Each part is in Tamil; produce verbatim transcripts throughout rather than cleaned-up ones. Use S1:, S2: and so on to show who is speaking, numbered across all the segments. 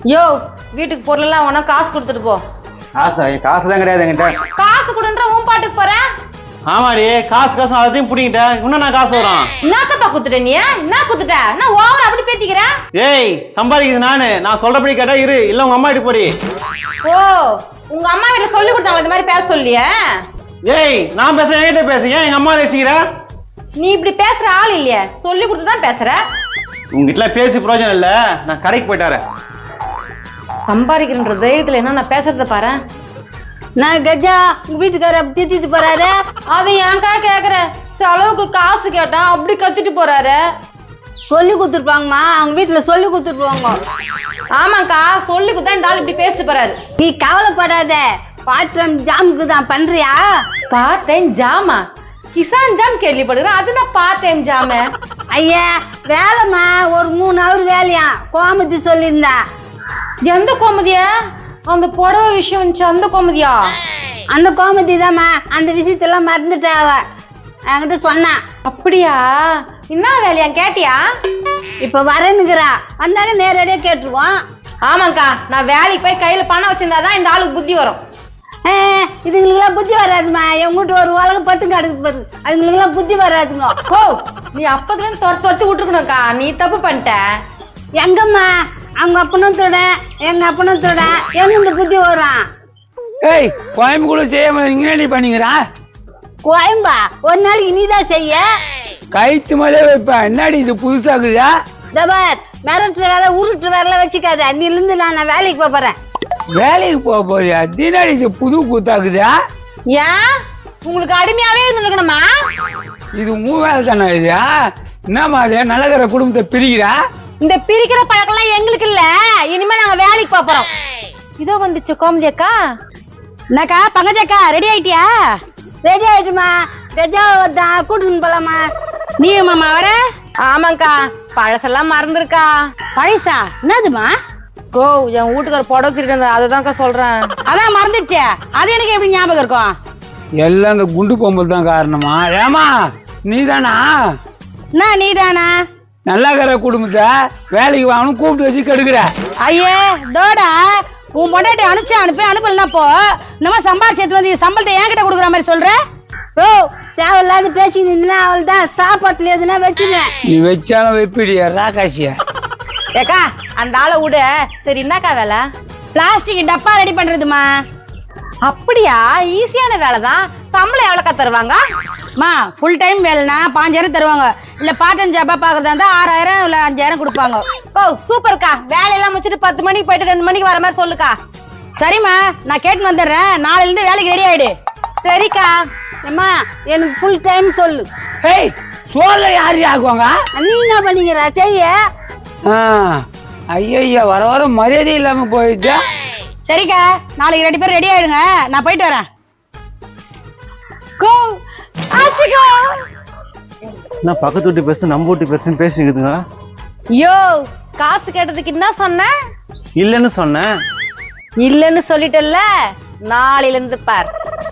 S1: யோ வீட்டுக்கு பொருளெல்லாம் உனக்கு காசு கொடுத்துட்டு போ.
S2: காசா? என் காசு தான் கிடையாது என்கிட்ட.
S1: காசு கொடுன்ற உன் பாட்டுக்கு போறேன்.
S2: ஆமாடி, காசு காசு அதையும் பிடிங்கிட்டேன். இன்னும் நான் காசு வரும்.
S1: என்னத்தப்பா குத்துட்ட நீ? என்ன குத்துட்ட? நான் ஓவர் அப்படி பேத்திக்கிறேன்.
S2: ஏய், சம்பாதிக்குது நானு. நான் சொல்றபடி கேட்டா இரு, இல்ல உங்க அம்மா கிட்ட போடி.
S1: ஓ, உங்க அம்மா வீட்டுல சொல்லி கொடுத்தாங்க இந்த மாதிரி பேச சொல்லியே.
S2: ஏய், நான் பேசுறேன், என்கிட்ட பேசு. ஏன் எங்க அம்மா பேசுகிற?
S1: நீ இப்படி பேசுற ஆள் இல்லையே, சொல்லி கொடுத்துதான் பேசுற.
S2: உங்ககிட்ட பேசி பிரயோஜனம் இல்ல, நான் கடைக்கு போயிட்டாரு.
S1: சம்பாதிக்கிற தைரியத்துல என்ன நான் பேசுறத பாரு.
S3: நான் கஜா உங்க வீட்டுக்காரர் அப்படி திட்டிட்டு போறாரு.
S1: அது ஏன்க்கா கேக்குற? செலவுக்கு காசு கேட்டா அப்படி கத்திட்டு போறாரு.
S3: சொல்லி கொடுத்துருப்பாங்கம்மா, அவங்க வீட்டுல சொல்லி கொடுத்துருப்பாங்க.
S1: ஆமாக்கா, சொல்லி கொடுத்தா இந்த ஆள் இப்படி பேசிட்டு போறாரு.
S3: நீ கவலைப்படாத, பார்ட் டைம் ஜாமுக்கு தான் பண்றியா?
S1: பார்ட் டைம் ஜாமா? கிசான் ஜாம் கேள்விப்படுறேன், அது நான் பார்ட் டைம் ஜாம.
S3: ஐயா வேலைம்மா, ஒரு மூணு ஹவர் வேலையா கோமதி சொல்லியிருந்தா.
S1: எந்த கோமதியா? அந்த புடவை விஷயம் வந்துச்சு அந்த கோமதியா?
S3: அந்த கோமதி தான்மா, அந்த விஷயத்தெல்லாம் மறந்துட்டா அவ என்கிட்ட சொன்னா.
S1: அப்படியா? என்ன வேலையா கேட்டியா?
S3: இப்ப வரேன்னுக்குறா, வந்தாங்க நேரடியா கேட்டுருவோம்.
S1: ஆமாக்கா, நான் வேலைக்கு போய் கையில பணம் வச்சிருந்தாதான் இந்த ஆளுக்கு புத்தி வரும்.
S3: இதுங்களுக்கெல்லாம் புத்தி வராதுமா. என் வீட்டு ஒரு உலகம் பத்து கிடக்கு பாரு, அதுங்களுக்கெல்லாம் புத்தி வராதுங்க.
S1: ஓ, நீ அப்பதுல இருந்து துரத்து துரத்து விட்டுருக்கணும்க்கா, நீ தப்பு பண்ணிட்ட.
S3: எங்கம்மா அவங்க அப்பனும் தொட, எங்க அப்பனும் தொட, எங்க இந்த புத்தி வரும்?
S4: ஏய், கோயம்பு கூட செய்யாம இங்கே பண்ணிக்கிறா?
S3: கோயம்பா ஒரு நாளைக்கு நீதான் செய்ய.
S4: கைத்து மேலே வைப்பேன். என்னடி இது புதுசாக்குதா?
S3: தபார் மிரட்டு வேலை உருட்டு வேலை வச்சுக்காத. அன்னில இருந்து நான் வேலைக்கு போக போறேன்.
S4: வேலைக்கு போக போறியா? தினாடி இது புது கூத்தாக்குதா?
S1: ஏன் உங்களுக்கு அடிமையாவே இருந்துக்கணுமா?
S4: இது உன் வேலை தானே? இது என்னமா அது? நல்லகிற குடும்பத்தை பிரிக்கிறா?
S1: இந்த பிரிக்கிற பழக்கம்லாம் எங்களுக்கு இல்ல. இனிமே நாங்க வேலைக்கு போறோம். இதோ வந்துச்சு கோமதி அக்கா.
S3: என்னக்கா பங்கஜக்கா, ரெடி ஆயிட்டியா? ரெடி ஆயிட்டுமா. கஜா தான் கூட்டுன்னு போலாமா?
S1: நீ மாமா வர? ஆமாக்கா, பழசெல்லாம் மறந்துருக்கா.
S3: பழசா? என்னதுமா?
S1: கோ, என் வீட்டுக்கார புடவை திருட்டு அதுதான்க்கா சொல்றேன்.
S3: அதான் மறந்துடுச்சு. அது எனக்கு எப்படி ஞாபகம் இருக்கும்?
S4: எல்லாம் அந்த குண்டு பொம்பல் தான் காரணமா? ஏமா நீ தானா?
S3: என்ன நீதானா?
S4: நல்லகிற குடும்பத்தை வேலைக்கு வாங்கணும் கூப்பிட்டு வச்சு கெடுக்கிற.
S3: ஐயே டோடா, உன் பொண்டாட்டி அனுப்பிச்சு அனுப்பி அனுப்பலன்னா போ. நம்ம சம்பாதிச்சு வந்து சம்பளத்தை என்கிட்ட கொடுக்குற மாதிரி சொல்ற. ஓ, தேவையில்லாத பேசிக்கிட்டு அவள் தான் சாப்பாட்டுல எதுனா வச்சுருவேன்.
S4: நீ வச்சாலும் வைப்பிடியா ராகாசியா?
S1: ஏக்கா, அந்த ஆளை விட. சரி, என்னக்கா வேலை?
S3: பிளாஸ்டிக் டப்பா ரெடி பண்றதுமா.
S1: அப்படியா? ஈஸியான வேலைதான். சம்பளம் எவ்வளோக்கா தருவாங்க?
S3: மா ஃபுல் டைம் வேலைனா பாஞ்சாயிரம் தருவாங்க. இல்ல பார்ட் டைம் ஜாபா பாக்குறதா இருந்தா ஆறாயிரம் இல்ல அஞ்சாயிரம் கொடுப்பாங்க.
S1: ஓ சூப்பர்க்கா, வேலையெல்லாம் முடிச்சுட்டு பத்து மணிக்கு போயிட்டு ரெண்டு மணிக்கு வர மாதிரி சொல்லுக்கா.
S3: சரிம்மா, நான் கேட்டு வந்துடுறேன். நாளைல இருந்து வேலைக்கு ரெடி ஆயிடு.
S1: சரிக்கா.
S3: அம்மா எனக்கு ஃபுல் டைம் சொல்லு.
S4: ஏய், சோழ யாரு ஆக்குவாங்க?
S3: நீ என்ன பண்ணிக்கிற செய்ய?
S4: ஐயா வர வர மரியாதை இல்லாம போயிடுச்சா?
S3: சரிக்கா, நாளைக்கு ரெண்டு பேரும் ரெடி ஆயிடுங்க, நான் போயிட்டு வரேன்.
S1: கோ ஆச்சுக்கா.
S2: நான் பக்கத்து வீட்டு பேசு நம்ம வீட்டு பேசுன்னு பேசிக்குதுங்க.
S1: யோ, காசு கேட்டதுக்கு என்ன சொன்ன?
S2: இல்லன்னு சொன்னேன்.
S1: இல்லன்னு சொல்லிட்டல்ல, நாளையில இருந்து பார்.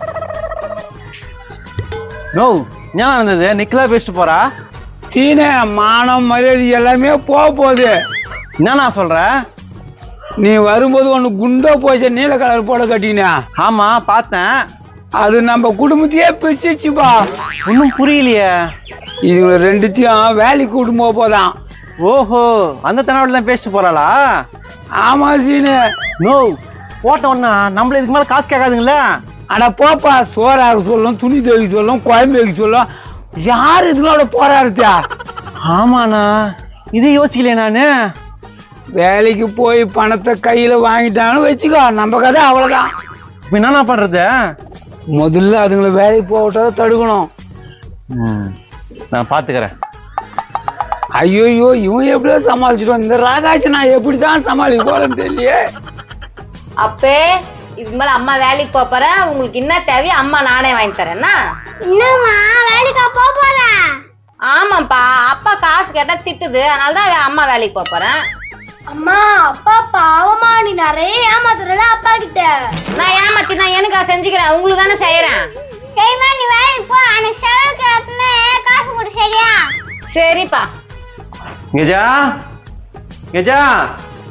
S2: நோ, ஞாபகம் இருந்தது. நிக்கலா பேசிட்டு போறா.
S4: சீன மானம் மரியாதை எல்லாமே போக போகுது.
S2: என்ன நான் சொல்றேன்?
S4: நீ வரும்போது ஒண்ணு குண்டோ போச்ச நீல கலர் போட கட்டினா.
S2: ஆமா பார்த்தேன்.
S4: அது நம்ம குடும்பத்தையே பிரிச்சுப்பா.
S2: ஒன்னும் புரியலையே.
S4: இது ரெண்டுத்தையும் வேலைக்கு கூட்டு போக போதான்.
S2: ஓஹோ, அந்த தனவாட்டில் தான் பேசிட்டு போறாளா?
S4: ஆமா சீனு.
S2: நோ, போட்ட ஒன்னா நம்மள இதுக்கு மேல காசு கேட்காதுங்களா?
S4: அட போப்பா, சோறாக சொல்லும், துணி துவைக்க சொல்லும், குழம்பு வைக்க சொல்லும். யாரு இதுங்களோட போராடுத்தா?
S2: ஆமாண்ணா, இதை யோசிக்கலையே நானு.
S4: வேலைக்கு போய் பணத்தை கையில வாங்கிட்டான்னு வச்சுக்கோ, நம்ம கதை அவ்வளவுதான்.
S2: இப்ப என்ன பண்றது?
S4: முதல்ல அதுங்களை வேலைக்கு போகட்டா தடுக்கணும்.
S2: நான் பாத்துக்கிறேன்.
S4: ஐயோ, இவன் எப்படியோ சமாளிச்சிட்டோம். இந்த ராகாச்சு நான் எப்படிதான் சமாளிக்க போறேன்னு தெரியலையே.
S1: அப்பே, இதுக்கு மேல அம்மா வேலைக்கு போறேன். உங்களுக்கு என்ன தேவையோ அம்மா நானே வாங்கி தரேன்னா.
S3: என்னம்மா வேலைக்கா போக போறேன்?
S1: ஆமாப்பா, அப்பா காசு கேட்டா திட்டுது, அதனாலதான் அம்மா வேலைக்கு போறேன்.
S3: அம்மா அப்பா பாவமா, நீ நிறைய ஏமாத்துறல அப்பா கிட்ட.
S1: நான் ஏமாத்தி நான் எனக்கா செஞ்சுக்கிறேன், உங்களுக்கு தானே செய்யறேன்.
S3: சரிம்மா, நீ வேலைக்கு போ. எனக்கு செலவுக்கு எப்பவுமே காசு கொடு, சரியா?
S1: சரிப்பா.
S2: கெஜா, கெஜா,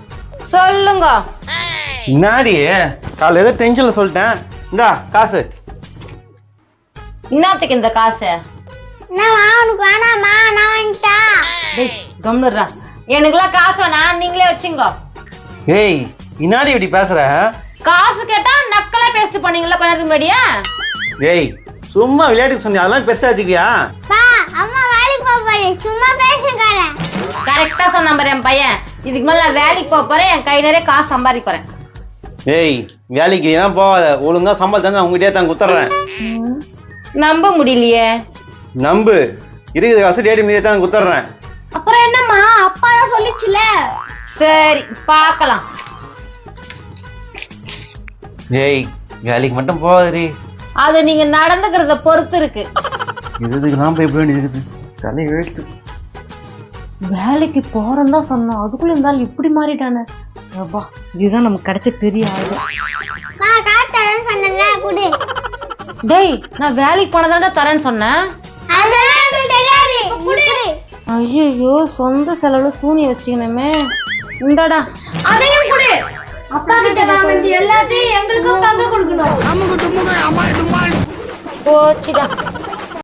S1: சொல்லுங்க.
S2: முன்னாடி காலைல ஏதோ டென்ஷன்ல சொல்லிட்டேன். இந்தா காசு.
S1: என்னத்துக்கு இந்த காசு?
S3: உனக்கு வேணாமா? நான் வாங்கிட்டா.
S1: டேய் கம்னுறா. எனக்குலாம் காசு வேணாம், நீங்களே வச்சுங்க.
S2: ஏய் இன்னாடி இப்படி பேசுற?
S1: காசு கேட்டா நக்கலா பேசிட்டு பண்ணீங்களா கொஞ்ச நேரத்துக்கு முன்னாடியா?
S2: ஏய் சும்மா விளையாட்டுக்கு சொன்னி அதெல்லாம் பெருசா எடுத்துக்கியா?
S3: அம்மா வேலைக்கு போறேன், சும்மா பேசுங்க.
S1: கரெக்டா சொன்ன பாரு என் பையன். இதுக்கு மேல நான் வேலைக்கு போக போறேன், என் கை நிறைய காசு சம்பாதிக்க போறேன்.
S2: ஏய் வேலைக்கு ஏன் போகாத, ஒழுங்கா சம்பளம் தந்து உங்ககிட்டயே தான் குத்துறேன்.
S1: நம்ப முடியலையே.
S2: நம்பு, இருக்கிற காசு டேடி மீதே தான் குத்துறேன்.
S3: அப்புறம் என்னம்மா, அப்பா தான் சொல்லிச்சுல.
S1: சரி பாக்கலாம்.
S2: ஏய் வேலைக்கு மட்டும் போகாதடி.
S1: அது நீங்க நடந்துக்கிறத பொறுத்து இருக்கு.
S2: இதுக்கு நான் போய் எப்படி இருக்குது தலை எழுத்து.
S1: வேலைக்கு போறேன்னு தான் சொன்னோம், அதுக்குள்ள இருந்தாலும் இப்படி மாறிட்டானே. அப்பா இதுதான் நமக்கு கிடைச்ச பெரிய ஆயுதம். டேய் நான் வேலைக்கு போனதாண்டா தரேன்னு சொன்னேன். ஐயோ சொந்த செலவுல சூனி வச்சுக்கணுமே. இந்தாடா
S3: அதையும் கொடு. அப்பா கிட்ட வாங்குறது எல்லாத்தையும் எங்களுக்கும் பங்கு கொடுக்கணும்.
S1: போச்சுடா.